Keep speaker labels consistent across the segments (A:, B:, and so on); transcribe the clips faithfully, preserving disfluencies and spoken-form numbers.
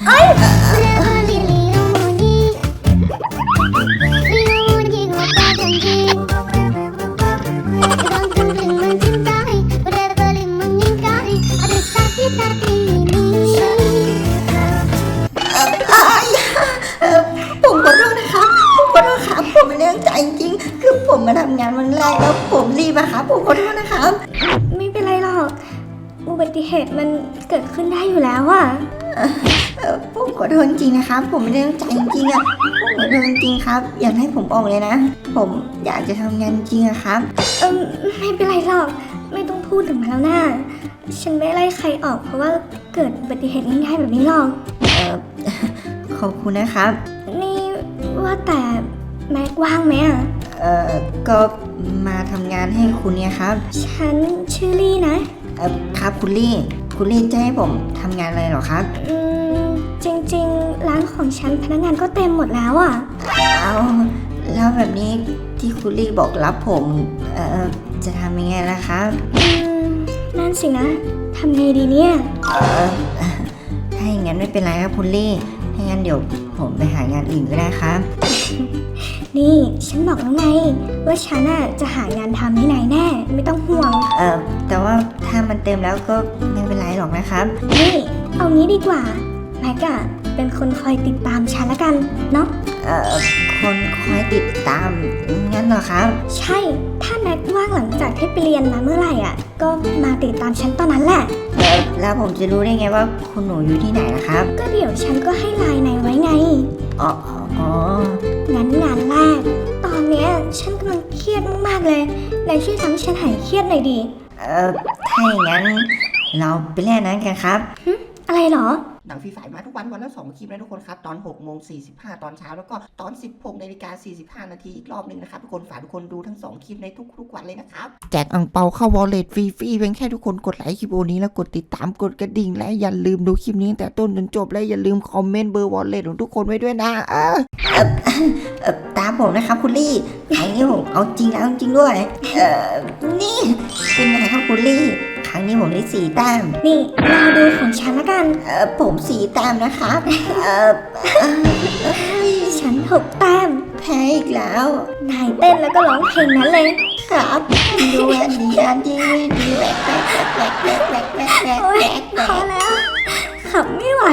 A: ผมขอโทษนะครับผมขอโทษครับผมไม่ได้ตั้งใจจริงๆคือผมมาทำงานวันแรกแล้วผมรีบอะครับผมขอโทษนะครับ
B: ไม่เป็นไรหรอกอุบัติเหตุมันเกิดขึ้นได้อยู่แล้วอะ
A: ผมขอโทษจริงนะครับผมไม่ได้ตั้งใจจริงๆอะผมขอโทษจริงๆครับอยากให้ผมออกเลยนะผมอยากจะทำงานจริงอะครับ
B: เออไม่เป็นไรหรอกไม่ต้องพูดถึงมันแล้วนะฉันไม่ไล่ใครออกเพราะว่าเกิดอุบัติเหตุง่ายๆแบบนี้หรอก
A: เออขอบคุณนะครับ
B: นี่ว่าแต่แม็กว่างไหมอ่ะ
A: เออก็มาทำงานให้คุณเนี่ยครับ
B: ฉันชื่อลี่นะ
A: เออครับคุณลี่คุณลี่จะให้ผมทำงานอะไรหรอครับ
B: อืมจริงๆร้านของฉันพนักงานก็เต็มหมดแล้วอ่ะ
A: เอาแล้วแบบนี้ที่คุณลี่บอกรับผมเออจะทำยังไงล่ะครับ
B: อืมนั่นสินะทำไงดีเนี่ย
A: เออถ้าอย่างนั้นไม่เป็นไรครับคุณลี่ถ้างั้นเดี๋ยวผมไปหางานอื่นก็ได้ครับ
B: นี่ฉันบอกแล้วไงว่าฉันน่ะจะหางานทำที่ไหนแน่ไม่ต้องห่วง
A: เออแต่ว่าถ้ามันเต็มแล้วก็ไม่เป็นไรหรอกนะครับ
B: นี่เอางี้ดีกว่าแม็กอะเป็นคนคอยติดตามฉันละกันเนาะ
A: เอ่อคนคอยติดตามงั้นเหรอครับ
B: ใช่ถ้าแม็กว่างหลังจากที่ไปเรียนมาเมื่อไหร่อ่ะก็มาติดตามฉันตอนนั้นแหละ
A: เออแล้วผมจะรู้ได้ไงว่าคุณหนูอยู่ที่ไหนนะครับ
B: ก็เดี๋ยวฉันก็ให้ไลน์นายไว้ไง
A: อ๋ออ๋อ
B: งั้นงานแรกตอนเนี้ยฉันกำลังเครียดมากๆเลยนายช่วยทำให้ฉันหายเครียดหน่อยดิ
A: เออถ้าอย่างนั้นเราไปเล่นนั้นกันครับ
B: อะไรหรอ
C: หนังฟรีไฟมาทุกวันวันละสองคลิปนะทุกคนครับตอนหกโมงสี่สิบห้าตอนเช้าแล้วก็ตอนสิบหกนาฬิกาสี่สิบห้านาทีอีกรอบนึงนะครับทุกคนฝากทุกคนดูทั้งสองคลิปในทุกๆวันเลยนะครับ
D: แจกอังเปาเข้าวอลเล็ตฟรีๆเพียงแค่ทุกคนกดไลค์คลิปโอนี้แล้วกดติดตามกดกระดิ่งและอย่าลืมดูคลิปนี้แต่ต้นจนจบและอย่าลืมคอมเมนต์เบอร์วอลเล็ตของทุกคนไว้ด้วยนะเออ
A: เออตามผมนะครับคุณลี่ครั้งนี้ผมเอาจริงแล้วจริงด้วยเออนี่เป็นไงครับคุณลี่ครั้งนี้ผมได้สี่แต้ม
B: นี่รอดูของฉันละกัน
A: เออผมสี่แต้มนะครับเออ
B: ฉันหกแต้ม
A: แพ้อีกแล้ว
B: นายเต้นแล้วก็ร้องเพลงนั้นเลย
A: ครับดูแอนดี้อันดี้ดีแหวกแหวกแหวกแหวกแหวกแหวกแหวกแหวกแหวก
B: พอแล้วขับไม่ไหว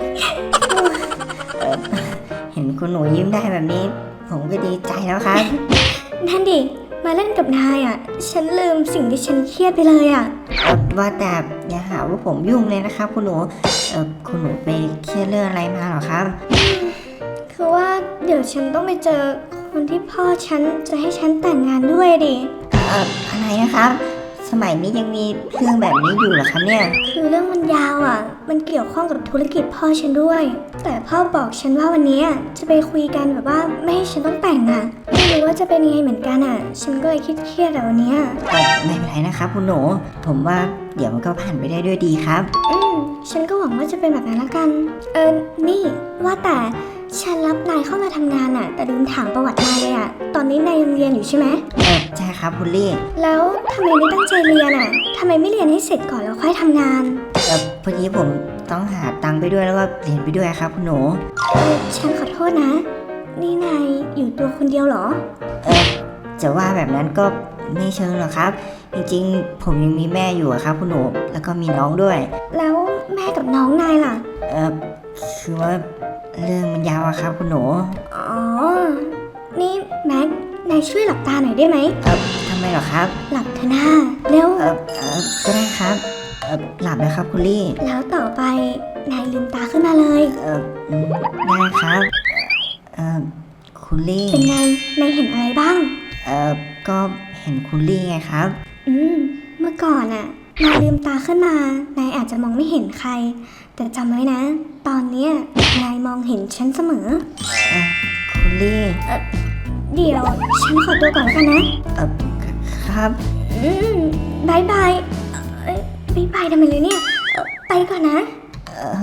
A: เห็นคุณหนูยิ้มได้แบบนี้ผมก็ดีใจแล้วครับ
B: นั่นดิมาเล่นกับนายอ่ะฉันลืมสิ่งที่ฉันเครียดไปเลยอ่ะ
A: ว่าแต่อย่าหาว่าผมยุ่งเลยนะครับคุณหนูเออคุณหนูไปเครียดเรื่องอะไรมาหรอครับ
B: คือว่าเดี๋ยวฉันต้องไปเจอคนที่พ่อฉันจะให้ฉันแต่งงานด้วยดิ
A: เอ่ออะไรนะครับสมัยนี้ยังมีเรื่องแบบนี้อยู่เหรอครับเนี่ย
B: คือเรื่องมันยาวอ่ะมันเกี่ยวข้องกับธุรกิจพ่อฉันด้วยแต่พ่อบอกฉันว่าวันนี้จะไปคุยกันแบบว่าไม่ให้ฉันต้องแต่งอ่ะไม่รู้ว่าจะเป็นยังไงเหมือนกันอ่ะฉันก็เลยคิดเครียดแต่วันนี้
A: ไม่เป็นไรนะครับคุณหนูผมว่าเดี๋ยวมันก็ผ่านไปได้ด้วยดีครับ
B: อืมฉันก็หวังว่าจะเป็นแบบนั้นละกันเออนี่ว่าแต่ฉันรับนายเข้ามาทำงานอ่ะแต่ลืมถามประวัตินายเลยอ่ะตอนนี้นายยังเรียนอยู่ใช่ไหม
A: เออใช่ครับคุณลี่
B: แล้วทำไมไม่ตั้งใจเรียนอ่ะทำไมไม่เรียนให้เสร็จก่อนแล้วค่อยทำงาน
A: เออพอดีผมต้องหาตังค์ไปด้วยแล้วก็เรียนไปด้วยครับคุณหนู
B: เออฉันขอโทษนะนี่นายอยู่ตัวคนเดียวเหรอ
A: เออจะว่าแบบนั้นก็ไม่เชิงหรอกครับจริงๆผมยังมีแม่อยู่ครับคุณหนูแล้วก็มีน้องด้วย
B: แล้วแม่กับน้องนายล่ะ
A: เออคือว่าเรื่องมันยาวอะครับคุณหนู
B: อ๋อนี่แม็กนายช่วยหลับตาหน่อยได้ไหม
A: เออทำไมหรอครับ
B: หลับเถอะนะเร็ว
A: เออเออก็ได้ครับเออหลับนะครับคุณลี่
B: แล้วต่อไปนายลืมตาขึ้นมาเลย
A: เออได้ครับเออคุณลี่
B: เป็นไงนายเห็นอะไรบ้าง
A: เออก็เห็นคุณลี่ไงครับ
B: อืมเมื่อก่อนอะนายลืมตาขึ้นมานายอาจจะมองไม่เห็นใครแต่จำไว้นะตอนเนี้ยนายมองเห็นฉันเสมอ
A: เออคุณลี่
B: เออเดี๋ยวฉันขอตัวก่อนแล้วกันนะ
A: เออครับ
B: อืมบายบายเอ้ยบายบายทำไมเลยเนี่ยไปก่อนนะเอ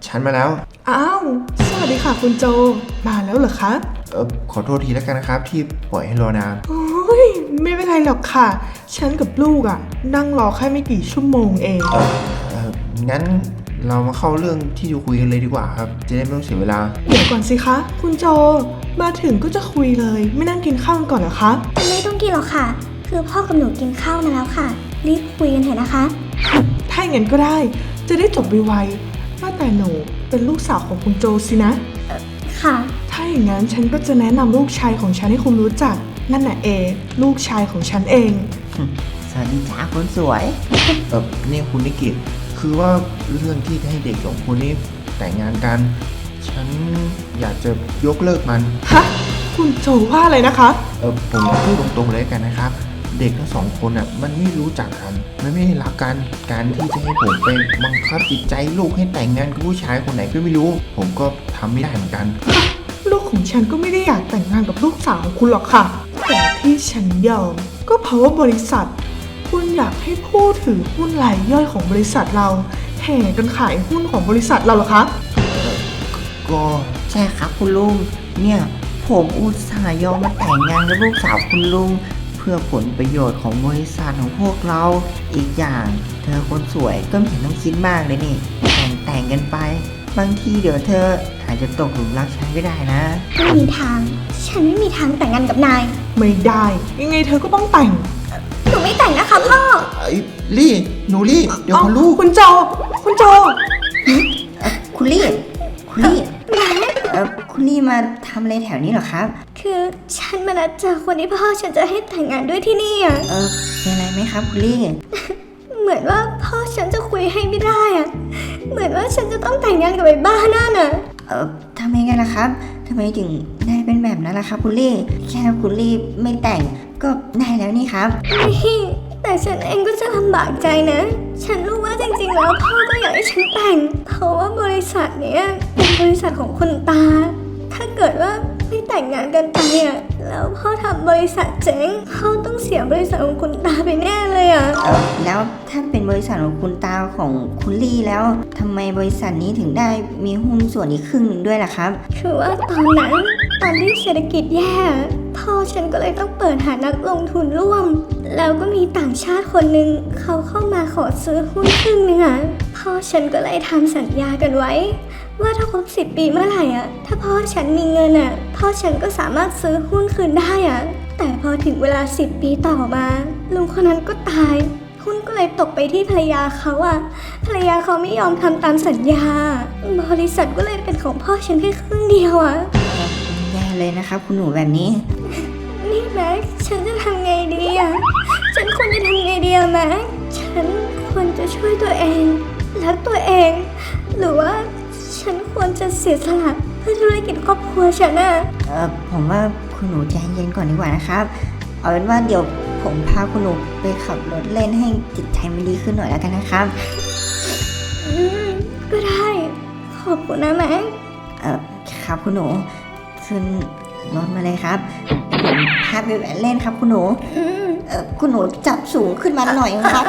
E: ฉันมาแล้ว
F: อ้าว สวัสดีค่ะคุณโจ มาแล้วเหรอคะ
E: เออขอโทษทีแล้วกันนะครับที่ปล่อยให้รอนาน
F: โอ้ย ไม่เป็นไรหรอกค่ะ ฉันกับลูกอะ่ะ นั่งรอแค่ไม่กี่ชั่วโมงเอง
E: เออเอองั้นเรามาเข้าเรื่องที่จะคุยกันเลยดีกว่าครับ จะได้ไม่ต้องเสียเวลา
F: เดี๋ยวก่อนสิคะ คุณโจ มาถึงก็จะคุยเลย ไม่นั่งกินข้าวกันก่อนเหรอคะ
B: ไม่ต้องกินหรอกค่ะ คือพ่อกับหนูกินข้าวมาแล้วค่ะ รีบคุยกันเถอะนะคะ
F: ถ้าอย่างนั้นก็ได้ จะได้จบไวๆว่าแต่หนูเป็นลูกสาวของคุณโจสินะ
B: ค่ะ
F: ถ้าอย่างนั้นฉันก็จะแนะนำลูกชายของฉันให้คุณรู้จัก นั่นน่ะเอ ลูกชายของฉันเอง
A: สวัสดีจ้าคนสวย
E: เออนี่คุณนิกิตคือว่าเรื่องที่ให้เด็กสองคนนี้แต่งงานกัน ฉันอยากจะยกเลิกมัน
F: ฮะ คุณโจว่าอะไรนะคะ
E: เออผมพูดตรงๆเลยกันนะครับ เด็กทั้งสองคนอ่ะมันไม่รู้จักกัน มันไม่ได้รักกัน การที่จะให้ผมไปบังคับจิตใจลูกให้แต่งงานกับผู้ชายคนไหนก็ไม่รู้ ผมก็ทำไม่ได้เหมือนกัน
F: ลูกของฉันก็ไม่ได้อยากแต่งงานกับลูกสาวของคุณหรอกค่ะ แต่ที่ฉันยอมก็เพราะว่าบริษัท คุณอยากให้ผู้ถือหุ้นรายย่อยของบริษัทเรา แห่กันขายหุ้นของบริษัทเราเหรอคะ
E: ก็
A: ใช่ครับคุณลุง เนี่ยผมอุตส่าห์ยอมมาแต่งงานกับลูกสาวคุณลุง เพื่อผลประโยชน์ของบริษัทของพวกเรา อีกอย่างเธอคนสวยก็ไม่เห็นต้องคิดมากเลยนี่ แต่งแต่งกันไป บางทีเดี๋ยวเธออาจจะตกหลุมรักฉันก็ได้นะ
B: ไม่มีทาง ฉันไม่มีทางแต่งงานกับนาย
F: ไม่ได้ ยังไงเธอก็ต้องแต่ง
B: หนูไม่แต่งนะคะพ่อ
E: ไอ้ลี่หนูลี่เดี๋ยวพอลูก
F: คุณโจ คุณโจ
A: คุณลี่ คุณลี่เออคุณลี่มาทำอะไรแถวนี้เหรอครับ
B: คือฉันมานัดเจอคนที่พ่อฉันจะให้แต่งงานด้วยที่นี่อ่ะ
A: เออเป็นอะไรไหมครับคุณลี่
B: เหมือนว่าพ่อฉันจะคุยให้ไม่ได้อ่ะ เหมือนว่าฉันจะต้องแต่งงานกับไอ้บ้านั่นอ่ะ
A: เออทำไมกันล่ะครับทำไมถึงได้เป็นแบบนั้นล่ะครับคุณลี่ แค่คุณลี่ไม่แต่งก็ได้แล้วนี่ครับ
B: นี่แต่ฉันเองก็จะลำบากใจนะ ฉันรู้ว่าจริงๆแล้วพ่อก็อยากให้ฉันแต่ง เพราะว่าบริษัทเนี้ยเป็นบริษัทของคุณตา ถ้าเกิดว่าไม่แต่งงานกันไปอ่ะ แล้วพ่อทำบริษัทเจ๊งพ่อต้องเสียบริษัทของคุณตาไปแน่เลยอ่ะ
A: เออแล้วถ้าเป็นบริษัทของคุณตาของคุณลี่แล้วทำไมบริษัทนี้ถึงได้มีหุ้นส่วนอีกครึ่งหนึ่งด้วยล่ะครับ
B: คือว่าตอนนั้นตอนที่เศรษฐกิจแย่พ่อฉันก็เลยต้องเปิดหานักลงทุนร่วม แล้วก็มีต่างชาติคนหนึ่งเขาเข้ามาขอซื้อหุ้นครึ่งหนึงอ่ะพ่อฉันก็เลยทำสัญญากันไว้ ว่าถ้าครบสิบปีเมื่อไหร่อ่ะถ้าพ่อฉันมีเงินอ่ะพ่อฉันก็สามารถซื้อหุ้นคืนได้อ่ะแต่พอถึงเวลาสิบปีต่อมาลุงคนนั้นก็ตายหุ้นก็เลยตกไปที่ภรรยาเขาอ่ะภรรยาเขาไม่ยอมทำตามสัญญา บริษัทก็เลยเป็นของพ่อฉันแค่ครึ่งเดียวอ่ะ
A: แย่เลยนะครับคุณหนูแบบนี้
B: นี่แม็กฉันจะทำไงดีอ่ะฉันควรจะทำไงดีอะแม็กฉันควรจะช่วยตัวเองรักตัวเอง หรือว่าฉันควรจะเสียสละเพื่อธุรกิจครอบครัวฉันอ่ะ
A: เออผมว่าคุณหนูใจเย็นก่อนดีกว่านะครับ เอาเป็นว่าเดี๋ยวผมพาคุณหนูไปขับรถเล่นให้จิตใจมันดีขึ้นหน่อยแล้วกันนะครับ
B: อืมก็ได้ขอบคุณนะแม็ก
A: เออครับคุณหนูขึ้นรถมาเลยครับผมพาไปแหวนเล่นครับคุณหนู
B: อืม
A: เออคุณหนูจับสูงขึ้นมาหน่อยครับ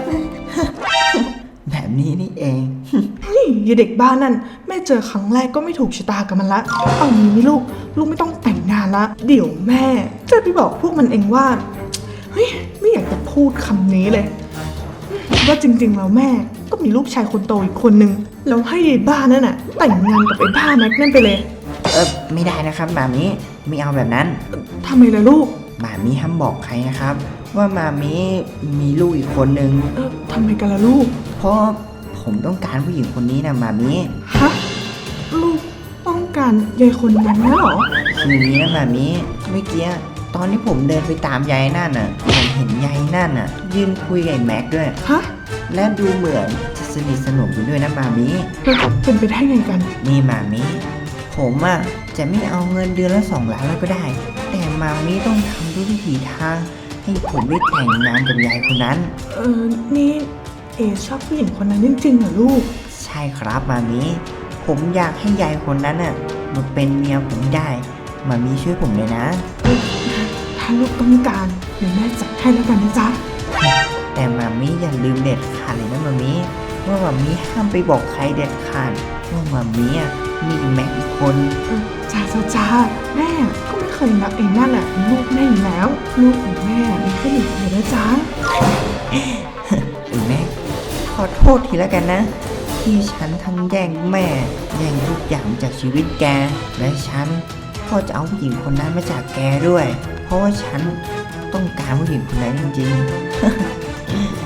A: แบบนี้นี่เอง
F: นี่ยายเด็กบ้านนั่นแม่เจอครั้งแรกก็ไม่ถูกชะตากับมันละ เอางี้นี่ลูก ลูกไม่ต้องแต่งงานละ เดี๋ยวแม่จะไปบอกพวกมันเองว่า เฮ้ย ไม่อยากจะพูดคำนี้เลย ว่าจริงๆแล้วแม่ก็มีลูกชายคนโตอีกคนนึง แล้วให้ยายบ้านั่นน่ะแต่งงานกับไอ้บ้าแม็กนั่นไปเลย
A: เออไม่ได้นะครับแบบนี้ไม่เอาแบบนั้น
F: ทำไมล่ะลูก
A: หมามีห้ามบอกใครนะครับ ว่าหมามีมีลูกอีกคนนึง
F: เออทำไมกันล่ะลูก
A: เพราะผมต้องการผู้หญิงคนนี้นะหมามี
F: ฮะ ลูกต้องการยายคนนั้นนะเหรอ
A: คืออย่างนี้นะหมามีเมื่อกี้ตอนที่ผมเดินไปตามยายนั่นน่ะผมเห็นยายนั่นน่ะยืนคุยกับไอ้แม็กด้วย
F: ฮะ
A: และดูเหมือนจะสนิทสนมกันด้วยนะหมามี
F: เป็นไปได้ไงกัน
A: นี่หมามีผมอ่ะจะไม่เอาเงินเดือนละสองล้านแล้วก็ได้ แต่หมามีต้องทำด้วยวิถีทางให้ผมได้แต่งงานกับยายคนนั้น
F: เออ นี่เอชอบผู้หญิงคนนั้นจริงๆเหรอลูก
A: ใช่ครับหมามีผมอยากให้ยายคนนั้นน่ะมาเป็นเมียผมได้หมามีช่วยผมเลยนะ
F: ถ้าลูกต้องการเดี๋ยวแม่จัดให้แล้วกันนะจ๊ะ
A: แต่หมามีอย่าลืมเด็ดขาดเลยนะหมามีว่าหมามีห้ามไปบอกใครเด็ดขาดว่ามามีอ่ะมีแม็กอีกคน
F: จ้าจ้าจ้าแม่ก็ไม่เคยนับเองนั่นแหละเป็นลูกแม่อยู่แล้ว ลูกของแม่มีแค่หนึ่งคนนะจ๊ะ
A: ไอ้แม็กขอโทษทีแล้วกันนะ ที่ฉันทั้งแย่งแม่แย่งทุกอย่างจากชีวิตแก และฉันก็จะเอาผู้หญิงคนนั้นมาจากแกด้วย เพราะว่าฉันต้องการผู้หญิงคนนั้นจริงๆ